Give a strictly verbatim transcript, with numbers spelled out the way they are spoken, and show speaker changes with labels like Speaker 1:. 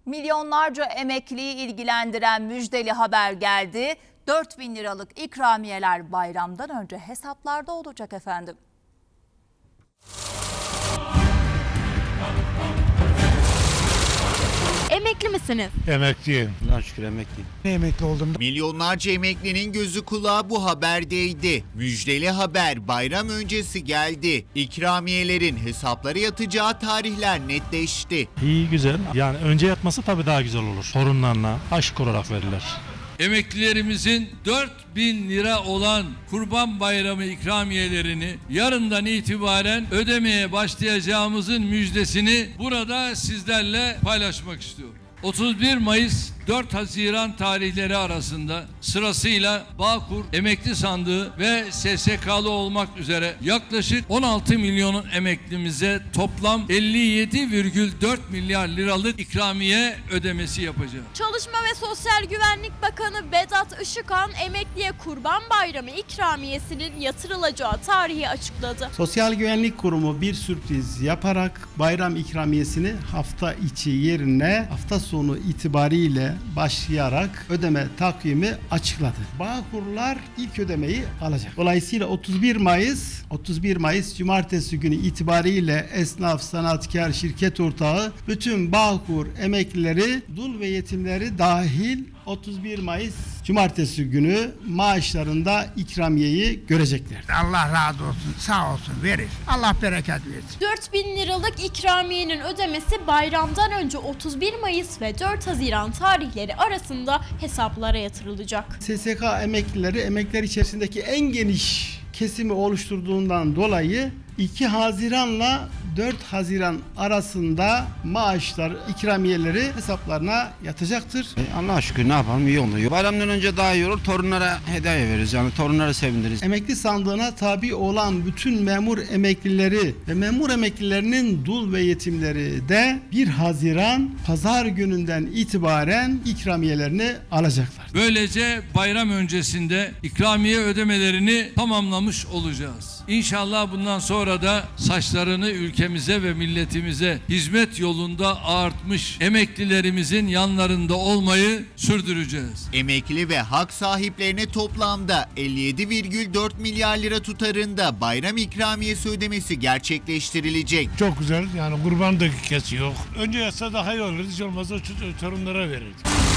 Speaker 1: Milyonlarca emekliyi ilgilendiren müjdeli haber geldi. dört bin liralık ikramiyeler bayramdan önce hesaplarda olacak efendim.
Speaker 2: Emekli misiniz?
Speaker 3: Emekliyim.
Speaker 4: Allah'a şükür emekliyim.
Speaker 3: Emekli oldum.
Speaker 5: Milyonlarca emeklinin gözü kulağı bu haberdeydi. Müjdeli haber bayram öncesi geldi. İkramiyelerin hesaplara yatacağı tarihler netleşti.
Speaker 3: İyi, güzel. Yani önce yatması tabii daha güzel olur. Torunlarına aşk olarak verirler.
Speaker 6: Emeklilerimizin dört bin lira olan Kurban Bayramı ikramiyelerini yarından itibaren ödemeye başlayacağımızın müjdesini burada sizlerle paylaşmak istiyorum. otuz bir Mayıs dört Haziran tarihleri arasında sırasıyla Bağkur Emekli Sandığı ve S S K'lı olmak üzere yaklaşık on altı milyonun emeklimize toplam elli yedi virgül dört milyar liralık ikramiye ödemesi yapacağız.
Speaker 2: Çalışma ve Sosyal Güvenlik Bakanı Vedat Işıkhan emekliye Kurban Bayramı ikramiyesinin yatırılacağı tarihi açıkladı.
Speaker 7: Sosyal Güvenlik Kurumu bir sürpriz yaparak bayram ikramiyesini hafta içi yerine hafta sonu itibariyle başlayarak ödeme takvimi açıkladı. Bağkurlar ilk ödemeyi alacak. Dolayısıyla otuz bir Mayıs otuz bir Mayıs Cumartesi günü itibariyle esnaf, sanatkar, şirket ortağı bütün Bağkur emeklileri, dul ve yetimleri dahil otuz bir Mayıs Cumartesi günü maaşlarında ikramiyeyi görecekler.
Speaker 8: Allah razı olsun, sağ olsun, verir. Allah bereket versin.
Speaker 2: dört bin liralık ikramiyenin ödemesi bayramdan önce otuz bir Mayıs ve dört Haziran tarihleri arasında hesaplara yatırılacak.
Speaker 7: S S K emeklileri emekliler içerisindeki en geniş kesimi oluşturduğundan dolayı iki Haziran'la dört Haziran arasında maaşlar, ikramiyeleri hesaplarına yatacaktır.
Speaker 4: E, Allah'a şükür ne yapalım, iyi oluyor. Bayramdan önce daha iyi olur. Torunlara hediye veririz. Yani torunlara sevindiririz.
Speaker 7: Emekli sandığına tabi olan bütün memur emeklileri ve memur emeklilerinin dul ve yetimleri de bir Haziran pazar gününden itibaren ikramiyelerini alacaklar.
Speaker 6: Böylece bayram öncesinde ikramiye ödemelerini tamamlamış olacağız. İnşallah bundan sonra da saçlarını ülkemize ve milletimize hizmet yolunda ağartmış emeklilerimizin yanlarında olmayı sürdüreceğiz.
Speaker 5: Emekli ve hak sahiplerine toplamda elli yedi virgül dört milyar lira tutarında bayram ikramiyesi ödemesi gerçekleştirilecek.
Speaker 3: Çok güzel. Yani kurban da kesiyor. Önce yatsa daha iyi olur. Hiç olmazsa torunlara verirdik.